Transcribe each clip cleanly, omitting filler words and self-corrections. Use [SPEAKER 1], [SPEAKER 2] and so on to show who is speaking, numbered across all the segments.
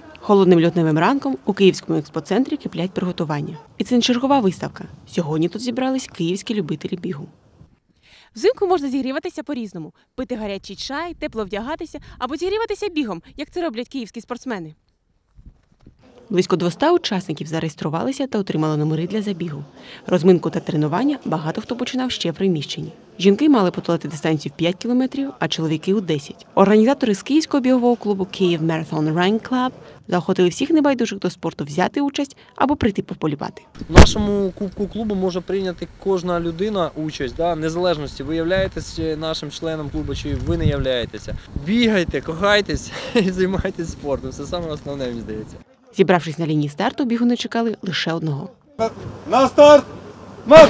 [SPEAKER 1] Холодним лютневим ранком у Київському експоцентрі киплять приготування. І це не чергова виставка. Сьогодні тут зібрались київські любителі бігу.
[SPEAKER 2] Взимку можна зігріватися по-різному. Пити гарячий чай, тепло вдягатися або зігріватися бігом, як це роблять київські спортсмени.
[SPEAKER 1] Близько 200 учасників зареєструвалися та отримали номери для забігу. Розминку та тренування багато хто починав ще в приміщенні. Жінки мали подолати дистанцію в 5 кілометрів, а чоловіки – у 10. Організатори з Київського бігового клубу Kyiv Marathon Running Club заохотили всіх небайдужих до спорту взяти участь або прийти пополюбати.
[SPEAKER 3] В нашому кубку клубу може прийняти кожна людина участь, незалежності, ви являєтесь нашим членом клубу, чи ви не являєтеся. Бігайте, кохайтесь і займайтесь спортом. Це саме основне, мені здається.
[SPEAKER 1] Зібравшись на лінії старту, бігуни чекали лише одного.
[SPEAKER 4] На старт! Марш!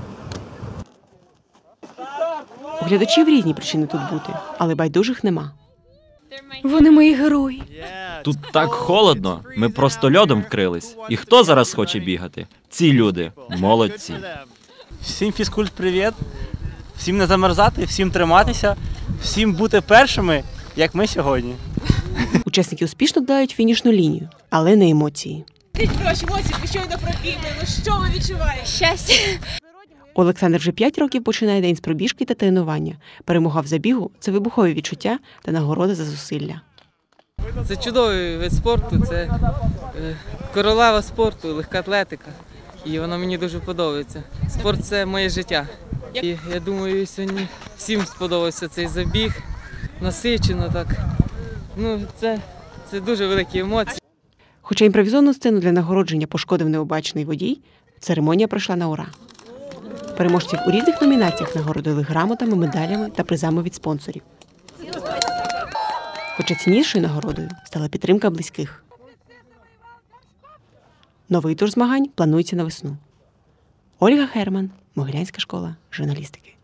[SPEAKER 1] У глядачів різні причини тут бути, але байдужих нема.
[SPEAKER 2] Вони мої герої.
[SPEAKER 5] Тут так холодно, ми просто льодом вкрились. І хто зараз хоче бігати? Ці люди, молодці.
[SPEAKER 6] Всім фізкульт привіт, всім не замерзати, всім триматися, всім бути першими, як ми сьогодні.
[SPEAKER 1] Учасники успішно долають фінішну лінію, але не емоції.
[SPEAKER 2] Скажіть про ваші емоції, ви щойно пробігли, що ви відчуваєте? Щастя.
[SPEAKER 1] Олександр вже 5 років починає день з пробіжки та тренування. Перемога в забігу – це вибухові відчуття та нагорода за зусилля.
[SPEAKER 7] Це чудовий вид спорту, це королева спорту, легка атлетика. І вона мені дуже подобається. Спорт – це моє життя. І я думаю, сьогодні всім сподобався цей забіг, насичено так. Це дуже великі емоції.
[SPEAKER 1] Хоча імпровізовану сцену для нагородження пошкодив необачний водій, церемонія пройшла на ура. Переможців у різних номінаціях нагородили грамотами, медалями та призами від спонсорів. Хоча ціннішою нагородою стала підтримка близьких. Новий тур змагань планується на весну. Ольга Херман, Могилянська школа журналістики.